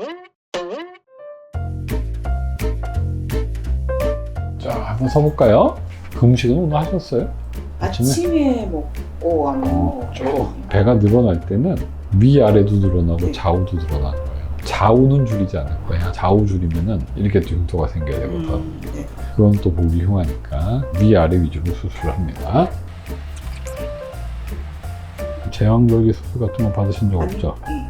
자, 한번 서볼까요? 그 음식은 오늘 하셨어요? 아침에 먹고 안 먹고 배가 늘어날 때는 위아래도 늘어나고 네. 좌우도 늘어나는 거예요. 좌우는 줄이지 않을 거야. 좌우 줄이면은 이렇게 흉터가 생겨야 되거든. 네. 그건 또 보기 흉하니까 위아래 위주로 수술을 합니다. 제왕절개 수술 같은 거 받으신 적 없죠? 네.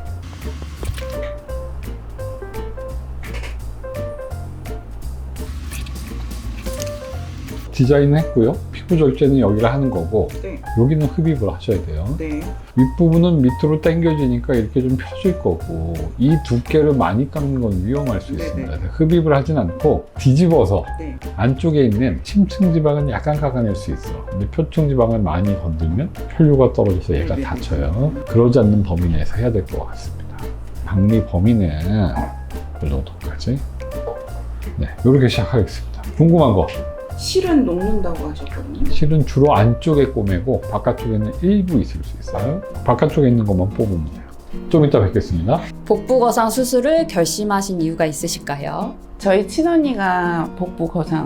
디자인은 했고요. 피부 절제는 여기가 하는 거고 네. 여기는 흡입을 하셔야 돼요. 네. 윗부분은 밑으로 당겨지니까 이렇게 좀 펴질 거고 이 두께를 많이 깎는 건 위험할 수 네네. 있습니다. 그래서 흡입을 하진 않고 뒤집어서 네. 안쪽에 있는 침층 지방은 약간 깎아낼 수 있어. 근데 표층 지방을 많이 건들면 혈류가 떨어져서 얘가 네네. 다쳐요. 그러지 않는 범위 내에서 해야 될 것 같습니다. 박리 범위는 이 정도까지. 네, 이렇게 시작하겠습니다. 궁금한 거. 실은 녹는다고 하셨거든요. 실은 주로 안쪽에 꼬매고 바깥쪽에는 일부 있을 수 있어요. 바깥쪽에 있는 것만 뽑으면 돼요. 좀 이따 뵙겠습니다. 복부 거상 수술을 결심하신 이유가 있으실까요? 저희 친언니가 복부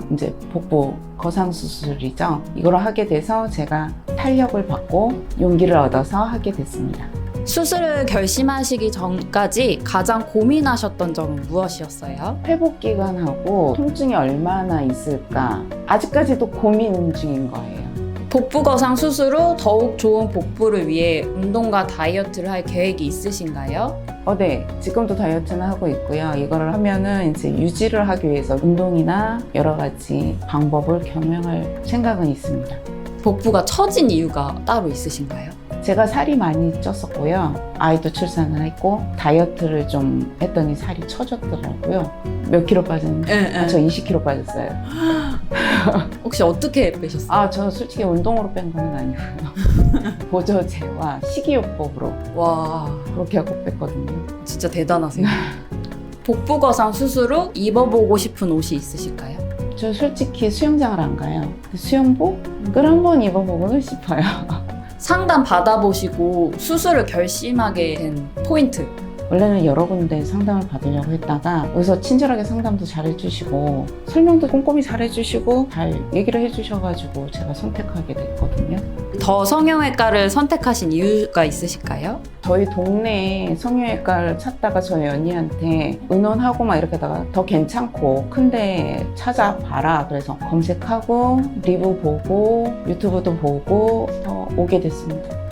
거상 수술이죠. 이걸 하게 돼서 제가 탄력을 받고 용기를 얻어서 하게 됐습니다. 수술을 결심하시기 전까지 가장 고민하셨던 점은 무엇이었어요? 회복 기간하고 통증이 얼마나 있을까 아직까지도 고민 중인 거예요. 복부 거상 수술 후 더욱 좋은 복부를 위해 운동과 다이어트를 할 계획이 있으신가요? 네. 지금도 다이어트는 하고 있고요. 이거를 하면은 이제 유지를 하기 위해서 운동이나 여러 가지 방법을 겸용할 생각은 있습니다. 복부가 처진 이유가 따로 있으신가요? 제가 살이 많이 쪘었고요. 아이도 출산을 했고 다이어트를 좀 했더니 살이 처졌더라고요. 몇 킬로 빠졌는데? 저 20킬로 빠졌어요. 혹시 어떻게 빼셨어요? 저는 솔직히 운동으로 뺀 건 아니고요. 보조제와 식이요법으로 와, 그렇게 하고 뺐거든요. 진짜 대단하세요. 복부 거상 수술 후 입어보고 싶은 옷이 있으실까요? 저 솔직히 수영장을 안 가요. 수영복을 한번 입어보고는 싶어요. 상담 받아보시고 수술을 결심하게 된 포인트. 원래는 여러 군데 상담을 받으려고 했다가 여기서 친절하게 상담도 잘 해주시고 설명도 꼼꼼히 잘 해주시고 잘 얘기를 해주셔가지고 제가 선택하게 됐거든요. 더 성형외과를 선택하신 이유가 있으실까요? 저희 동네에 성형외과를 찾다가 저희 언니한테 의논하고 막 이렇게 하다가 더 괜찮고 큰데 찾아봐라 그래서 검색하고 리뷰 보고 유튜브도 보고 더 오게 됐습니다.